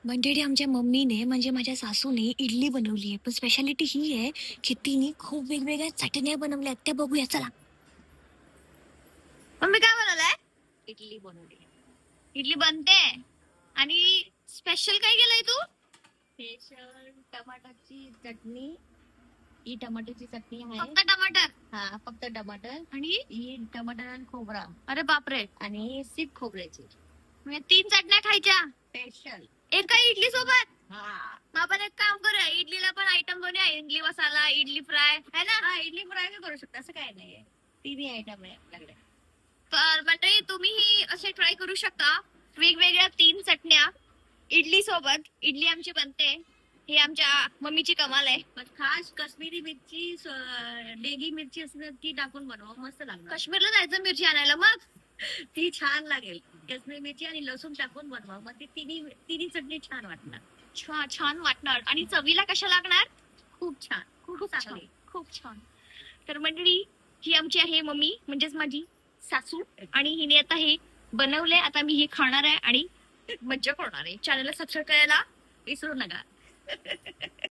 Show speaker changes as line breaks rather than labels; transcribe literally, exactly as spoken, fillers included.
मंडळी आमच्या मम्मीने म्हणजे माझ्या सासूने इडली बनवली आहे. पण स्पेशालिटी ही आहे की तिने खूप वेगवेगळ्या चटण्या बनवल्या त्या बघूया चला.
मम्मी काय बनवलंय?
इडली बनवली.
इडली बनते आणि स्पेशल काय केलंय तू?
स्पेशल टमाटरची चटणी. ही टमाटरची चटणी आहे.
फक्त टमाटर
हा फक्त टमाटर.
आणि
ही टमाटर आणि खोबरा
अरे बापरे,
आणि सीप खोबऱ्याची
म्हणजे तीन चटण्या खायच्या
स्पेशल.
एका इडली सोबत.
हा
मग आपण एक काम करूया, इडलीला पण आयटम बनवूया. इडली मसाला, इडली फ्राय है ना.
हा इडली फ्राय करू शकता, असं काय नाहीये. तिन्ही आयटम आहे आपल्याकडे.
तर मंडळी तुम्हीही असे ट्राय करू शकता वेगवेगळ्या तीन चटण्या इडली सोबत. इडली आमची बनते, ही आमच्या मम्मीची कमाल आहे.
पण खास काश्मीरी मिरची, स- डेगी मिरची असं ती टाकून बनवा, मस्त लागणार.
काश्मीरला जायचं मिरची आणायला, मग
ती छान लागेल. काश्मीरी मिरची आणि लसूण टाकून बनवा, मग ती तिन्ही तिन्ही चटणी छान वाटणार.
छान छान वाटणार. आणि चवीला कशा लागणार?
खूप छान, खूप
खूप छान,
चांगली.
खूप छान. तर मंडळी ही आमची आहे मम्मी, म्हणजेच माझी सासू. आणि हिने आता हे बनवलंय, आता मी हे खाणार आहे आणि मज्जा करणार आहे. चॅनलला सबस्क्राईब करायला
विसरू नका.